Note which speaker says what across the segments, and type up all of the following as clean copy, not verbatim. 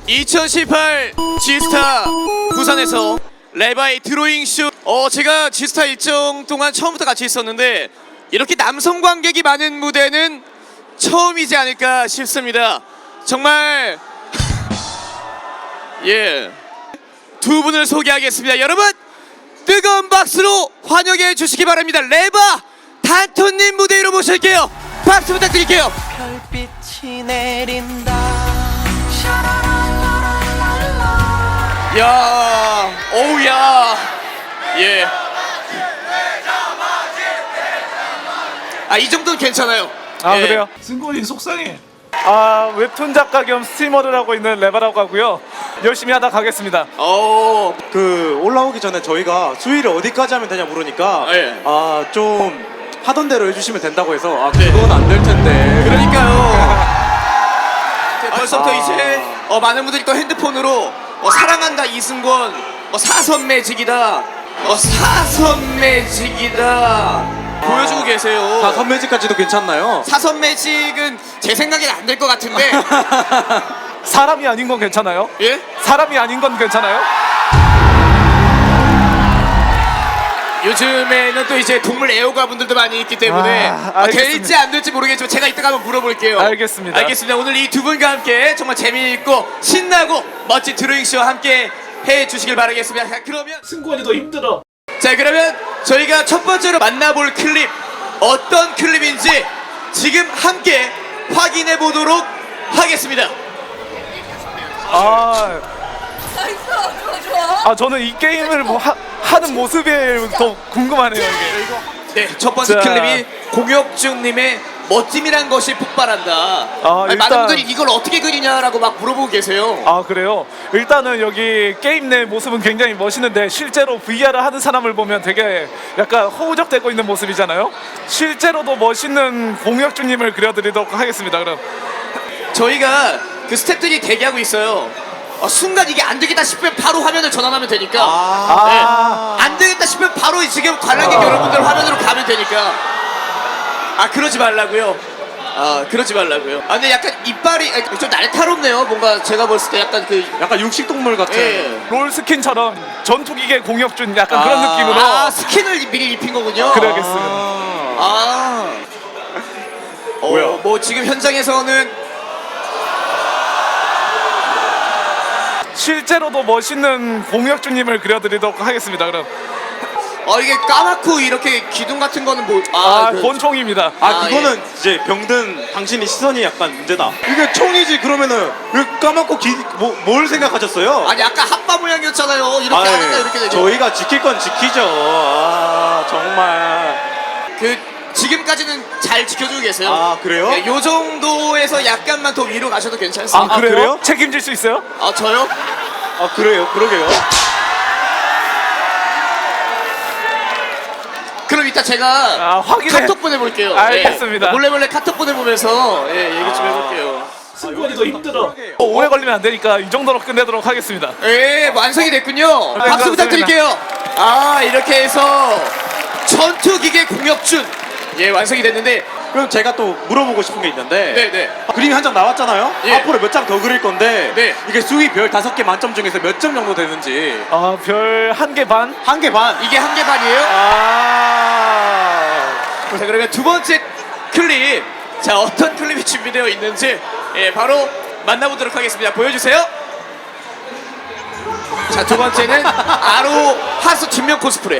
Speaker 1: 2018 지스타 부산에서 레바이 드로잉쇼 제가 지스타 일정 동안 처음부터 같이 있었는데 이렇게 남성 관객이 많은 무대는 처음이지 않을까 싶습니다. 정말 예, 두 분을 소개하겠습니다. 여러분 뜨거운 박수로 환영해 주시기 바랍니다. 레바 단톤님 무대 위로 모실게요. 박수 부탁드릴게요.
Speaker 2: 별빛이 내린다.
Speaker 1: 야, 오우야, 예. 이 정도는 괜찮아요.
Speaker 3: 아
Speaker 1: 예.
Speaker 3: 그래요?
Speaker 4: 승권이 속상해.
Speaker 3: 웹툰 작가 겸 스트리머를 하고 있는 레바라고 하고요. 열심히 하다 가겠습니다.
Speaker 5: 그 올라오기 전에 저희가 수위를 어디까지 하면 되냐 물으니까
Speaker 1: 예.
Speaker 5: 좀 하던 대로 해주시면 된다고 해서
Speaker 1: 네.
Speaker 5: 그건 안 될 텐데.
Speaker 1: 그러니까요. 벌써부터 이제 많은 분들이 또 핸드폰으로 사랑한다 이승권, 사선 매직이다, 사선 매직이다 보여주고 계세요.
Speaker 5: 사선 매직까지도 괜찮나요?
Speaker 1: 사선 매직은 제 생각엔 안 될 것 같은데.
Speaker 3: 사람이 아닌 건 괜찮아요?
Speaker 1: 예?
Speaker 3: 사람이 아닌 건 괜찮아요?
Speaker 1: 요즘에는 또 이제 동물 애호가 분들도 많이 있기 때문에
Speaker 3: 알겠습니다.
Speaker 1: 될지 안 될지 모르겠지만 제가 이따가 한번 물어볼게요.
Speaker 3: 알겠습니다.
Speaker 1: 알겠습니다. 오늘 이 두 분과 함께 정말 재미있고 신나고 멋진 드로잉쇼와 함께 해주시길 바라겠습니다. 자, 그러면
Speaker 4: 승권이 더 힘들어.
Speaker 1: 자, 그러면 저희가 첫 번째로 만나볼 클립 어떤 클립인지 지금 함께 확인해 보도록 하겠습니다.
Speaker 3: 저는 이 게임을 하는 모습이 더 궁금하네요. 이게.
Speaker 1: 네, 첫 번째
Speaker 3: 자.
Speaker 1: 클립이 공혁준님의 멋짐이란 것이 폭발한다. 많은
Speaker 3: 일단-
Speaker 1: 분들이 이걸 어떻게 그리냐라고 막 물어보고 계세요.
Speaker 3: 그래요? 일단은 여기 게임 내 모습은 굉장히 멋있는데 실제로 VR을 하는 사람을 보면 되게 약간 허우적대고 있는 모습이잖아요. 실제로도 멋있는 공혁준님을 그려드리도록 하겠습니다. 그럼
Speaker 1: 저희가 그 스태프들이 대기하고 있어요. 순간 이게 안 되겠다 싶으면 바로 화면을 전환하면 되니까. 네. 안 되겠다 싶으면 바로 지금 관람객 여러분들 화면으로 가면 되니까. 그러지 말라고요. 그러지 말라고요. 근데 약간 이빨이 좀 날카롭네요. 뭔가 제가 봤을 때 약간
Speaker 5: 약간 육식동물 같은.
Speaker 1: 예.
Speaker 3: 롤 스킨처럼 전투기계 공혁준 약간 그런 느낌으로
Speaker 1: 스킨을 미리 입힌 거군요.
Speaker 3: 그려야겠습니다.
Speaker 5: 뭐야?
Speaker 1: 뭐 지금 현장에서는
Speaker 3: 실제로도 멋있는 공혁준님을 그려드리도록 하겠습니다. 그럼
Speaker 1: 이게 까맣고 이렇게 기둥 같은 거는 뭐
Speaker 3: 권총입니다.
Speaker 5: 그거는 이제 병든 당신의 시선이 약간 문제다. 이게 총이지 그러면은 왜 까맣고 뭘 생각하셨어요?
Speaker 1: 아니 아까 핫바 모양이었잖아요. 이렇게 하니까 이렇게 되죠.
Speaker 5: 저희가 지킬 건 지키죠. 정말.
Speaker 1: 지금까지는 잘 지켜주고 계세요.
Speaker 5: 그래요?
Speaker 1: 네, 요 정도에서 약간만 더 위로 가셔도 괜찮습니다.
Speaker 3: 그래요? 책임질 수 있어요?
Speaker 1: 저요?
Speaker 5: 그래요? 그러게요.
Speaker 1: 그럼 이따 제가
Speaker 3: 확인해.
Speaker 1: 카톡 보내볼게요.
Speaker 3: 알겠습니다.
Speaker 1: 몰래 카톡 보내보면서 얘기 좀 해볼게요.
Speaker 4: 승권이 더 힘들어.
Speaker 3: 오래 걸리면 안 되니까 이 정도로 끝내도록 하겠습니다.
Speaker 1: 완성이 됐군요. 박수
Speaker 3: 감사합니다.
Speaker 1: 부탁드릴게요. 이렇게 해서 전투기계 공혁준 완성이 됐는데
Speaker 5: 그럼 제가 또 물어보고 싶은 게 있는데
Speaker 1: 네네.
Speaker 5: 그림이 한 장 나왔잖아요.
Speaker 1: 예.
Speaker 5: 앞으로 몇 장 더 그릴 건데
Speaker 1: 네.
Speaker 5: 이게 수위 별 5개 만점 중에서 몇 점 정도 되는지.
Speaker 3: 별 1개 반?
Speaker 5: 1개 반.
Speaker 1: 이게 1개 반이에요? 자, 그러면 두 번째 클립, 자 어떤 클립이 준비되어 있는지 바로 만나보도록 하겠습니다. 보여주세요. 자, 두 번째는 아로 하수 뒷면 코스프레.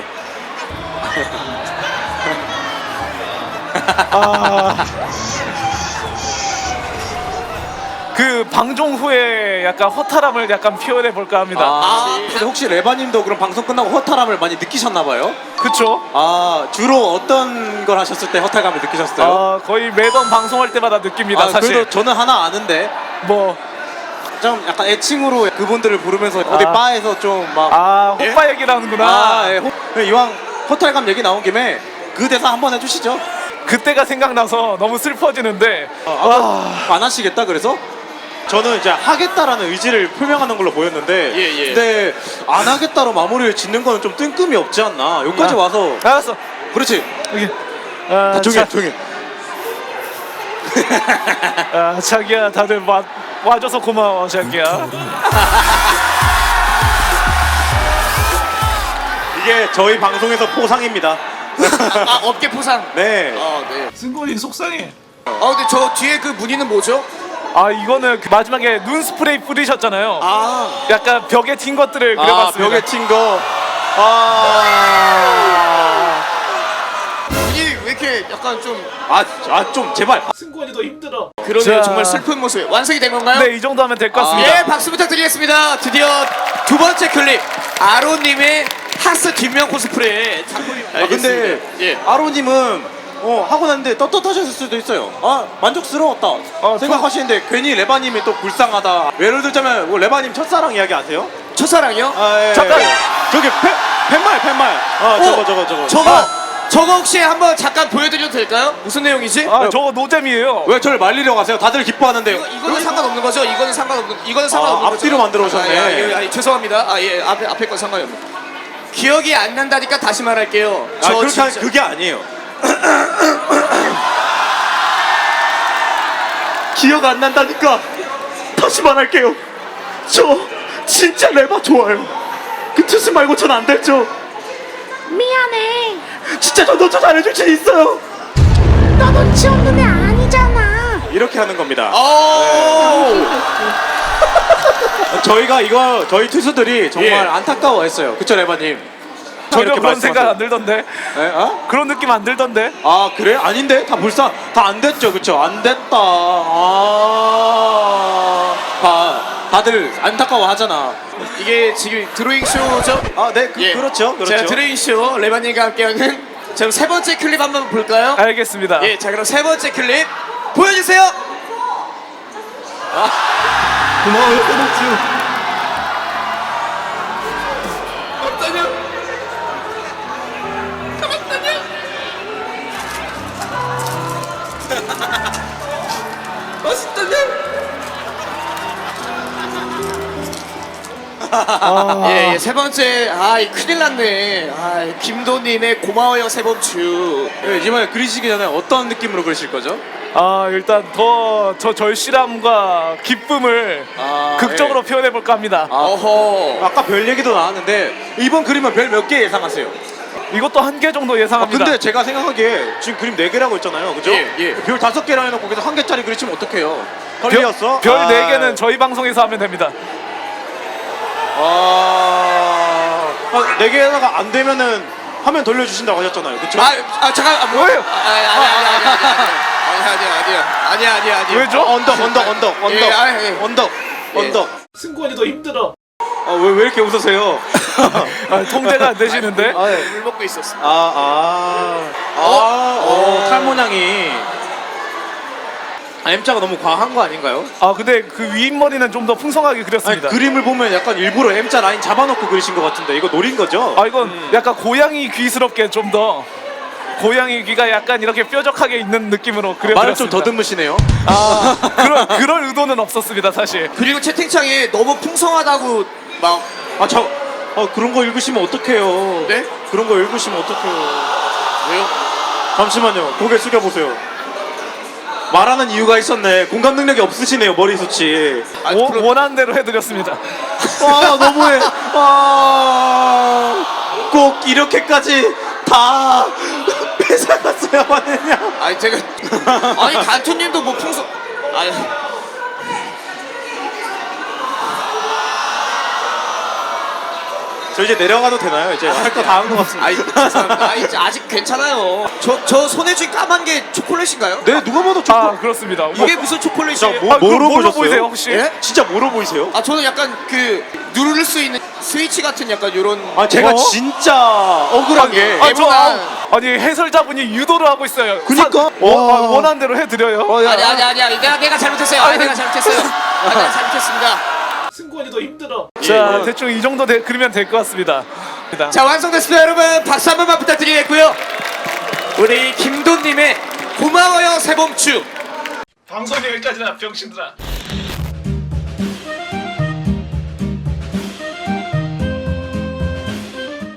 Speaker 3: 그 방송 후에 약간 허탈함을 약간 표현해 볼까 합니다.
Speaker 5: 근데 혹시 레바님도 그럼 방송 끝나고 허탈함을 많이 느끼셨나봐요?
Speaker 3: 그쵸?
Speaker 5: 주로 어떤 걸 하셨을 때 허탈감을 느끼셨어요?
Speaker 3: 거의 매번 방송할 때마다 느낍니다. 사실.
Speaker 5: 그래도 저는 하나 아는데
Speaker 3: 뭐
Speaker 5: 좀 약간 애칭으로 그분들을 부르면서 어디 바에서 좀 막
Speaker 3: 호빠 얘기를 하는구나.
Speaker 5: 이왕 허탈감 얘기 나온 김에 그 대사 한번 해주시죠.
Speaker 3: 그때가 생각나서 너무 슬퍼지는데
Speaker 5: 안 하시겠다 그래서? 저는 이제 하겠다라는 의지를 표명하는 걸로 보였는데
Speaker 1: 예.
Speaker 5: 근데 안 하겠다로 마무리를 짓는 거는 좀 뜬금이 없지 않나. 여기까지 와서
Speaker 3: 알았어.
Speaker 5: 그렇지.
Speaker 3: 여기.
Speaker 5: 조용히 조용히.
Speaker 3: 자기야 다들 와줘서 고마워 자기야.
Speaker 5: 이게 저희 방송에서 포상입니다.
Speaker 1: 아 어깨 포상.
Speaker 5: 네.
Speaker 1: 네.
Speaker 4: 승권이 속상해.
Speaker 1: 근데 저 뒤에 그 무늬는 뭐죠?
Speaker 3: 아 이거는 그 마지막에 눈 스프레이 뿌리셨잖아요.
Speaker 1: 아
Speaker 3: 약간 벽에 튄 것들을 그려봤습니다.
Speaker 5: 벽에 튄 거.
Speaker 1: 무늬 왜 이렇게 약간 좀
Speaker 5: 좀 제발.
Speaker 4: 승권이 더 힘들어.
Speaker 1: 그러네요.
Speaker 3: 자.
Speaker 1: 정말 슬픈 모습. 완성이 된 건가요?
Speaker 3: 네, 이 정도 하면 될 것 같습니다.
Speaker 1: 예, 박수 부탁드리겠습니다. 드디어 두 번째 클립 아론님의 하스 뒷면 코스프레.
Speaker 5: 근데
Speaker 1: 예.
Speaker 5: 아로님은 하고 났는데 떳떳하셨을 수도 있어요. 만족스러웠다 생각하시는데 괜히 레바님이 또 불쌍하다. 예를 들자면 레바님 첫사랑 이야기 아세요?
Speaker 1: 첫사랑이요?
Speaker 5: 예.
Speaker 3: 잠깐!
Speaker 5: 저기 팻말.
Speaker 1: 저거 혹시 한번 잠깐 보여드려도 될까요? 무슨 내용이지?
Speaker 3: 아 저거 노잼이에요.
Speaker 5: 왜 저를 말리려고 하세요? 다들 기뻐하는데.
Speaker 1: 이거는 상관없는 거죠? 이거는 상관없는 거죠?
Speaker 5: 앞뒤로 만들어 오셨네.
Speaker 1: 죄송합니다. 예, 앞에 건 상관이 없네. 기억이 안 난다니까 다시 말할게요.
Speaker 5: 그렇게 하면 그게 아니에요. 기억 안 난다니까 다시 말할게요. 저 진짜 레바 좋아요. 그 뜻을 말고 전 안 됐죠.
Speaker 6: 미안해.
Speaker 5: 진짜 저 놓쳐 잘해줄 수 있어요.
Speaker 6: 너 눈치 없는 애 아니잖아.
Speaker 5: 이렇게 하는 겁니다.
Speaker 1: 오!
Speaker 5: 저희가 저희 투수들이 정말
Speaker 1: 예.
Speaker 5: 안타까워했어요. 그쵸 레바님?
Speaker 3: 전혀
Speaker 5: 이렇게
Speaker 3: 그런 생각
Speaker 5: 말씀하세요.
Speaker 3: 안 들던데.
Speaker 5: 네?
Speaker 3: 그런 느낌 안 들던데.
Speaker 5: 아 그래? 아닌데 다 다 안 됐죠, 그쵸? 안 됐다. 다들 안타까워하잖아.
Speaker 1: 이게 지금 드로잉 쇼죠?
Speaker 5: 네, 그렇죠.
Speaker 1: 제가 드로잉 쇼 레바님과 함께하는 지금 세 번째 클립 한번 볼까요?
Speaker 3: 알겠습니다.
Speaker 1: 예, 자 그럼 세 번째 클립 보여주세요.
Speaker 4: 고마워요, 꼬북주.
Speaker 1: 예, 세 번째 큰일 났네. 김도님의 고마워요 세범추.
Speaker 5: 이번에 그리시기 전에 어떤 느낌으로 그리실 거죠?
Speaker 3: 일단 더 저 절실함과 기쁨을 극적으로 표현해 볼까 합니다.
Speaker 1: 어허.
Speaker 5: 아까 별 얘기도 나왔는데 이번 그림은 별 몇 개 예상하세요?
Speaker 3: 이것도 한 개 정도 예상합니다.
Speaker 5: 근데 제가 생각하기에 지금 그림 4개라고 했잖아요, 그죠?
Speaker 1: 예.
Speaker 5: 별 5개라 해놓고 거기서 1개짜리 그리시면 어떡해요? 컬리였어?
Speaker 3: 별 4개는 저희 방송에서 하면 됩니다.
Speaker 5: 4개가 안 되면은 화면 돌려주신다고 하셨잖아요, 그쵸?
Speaker 1: 잠깐
Speaker 3: 뭐예요?
Speaker 1: 아니야.
Speaker 3: 왜죠?
Speaker 5: 언덕.
Speaker 4: 승권이 더 힘들어.
Speaker 5: 왜 이렇게 웃으세요?
Speaker 3: 통제가 안 되시는데.
Speaker 1: 물 먹고 있었어.
Speaker 5: 탈모냥이 M자가 너무 과한 거 아닌가요?
Speaker 3: 근데 그 윗머리는 좀 더 풍성하게 그렸습니다.
Speaker 5: 그림을 보면 약간 일부러 M자 라인 잡아놓고 그리신 것 같은데 이거 노린 거죠?
Speaker 3: 이건 약간 고양이 귀스럽게 좀 더 고양이 귀가 약간 이렇게 뾰족하게 있는 느낌으로 그려드렸습니다.
Speaker 5: 말을 좀 더듬으시네요.
Speaker 3: 그럴 의도는 없었습니다 사실.
Speaker 1: 그리고 채팅창에 너무 풍성하다고 막
Speaker 5: 그런 거 읽으시면 어떡해요?
Speaker 1: 네?
Speaker 5: 그런 거 읽으시면 어떡해요?
Speaker 1: 왜요?
Speaker 5: 잠시만요. 고개 숙여보세요. 말하는 이유가 있었네. 공감 능력이 없으시네요, 머리숱이.
Speaker 3: 원하는 대로 해드렸습니다.
Speaker 5: 너무해. 꼭 이렇게까지 다 뺏어갔어야만 했냐.
Speaker 1: 제가 간투님도 뭐 풍성
Speaker 5: 저 이제 내려가도 되나요? 이제 할 거 다 한 것 같습니다.
Speaker 1: 죄송합니다. 이제 아직 괜찮아요. 저 손에 쥔 까만 게 초콜릿인가요?
Speaker 5: 네, 누가 봐도 초콜릿.
Speaker 3: 그렇습니다.
Speaker 1: 이게 무슨 초콜릿이에요?
Speaker 5: 뭐로
Speaker 3: 뭘로
Speaker 5: 보셨어요?
Speaker 3: 보이세요 혹시?
Speaker 1: 예?
Speaker 5: 진짜 뭐로 보이세요?
Speaker 1: 저는 약간 그 누를 수 있는 스위치 같은 약간 요런
Speaker 5: 제가 진짜 억울한 게
Speaker 3: 아니 해설자분이 유도를 하고 있어요.
Speaker 5: 그니까.
Speaker 3: 원하는 대로 해드려요.
Speaker 1: 아니야 내가 잘못했어요. 내가 잘못했어요. 내가 잘못했습니다.
Speaker 4: 승권이 더 힘들어.
Speaker 3: 자 대충 이 정도 그리면 될 것 같습니다.
Speaker 1: 자 완성됐습니다 여러분. 박수 한 번만 부탁드리겠고요. 우리 김돈님의 고마워요 세범추.
Speaker 3: 방송 여기까지나 병신들아.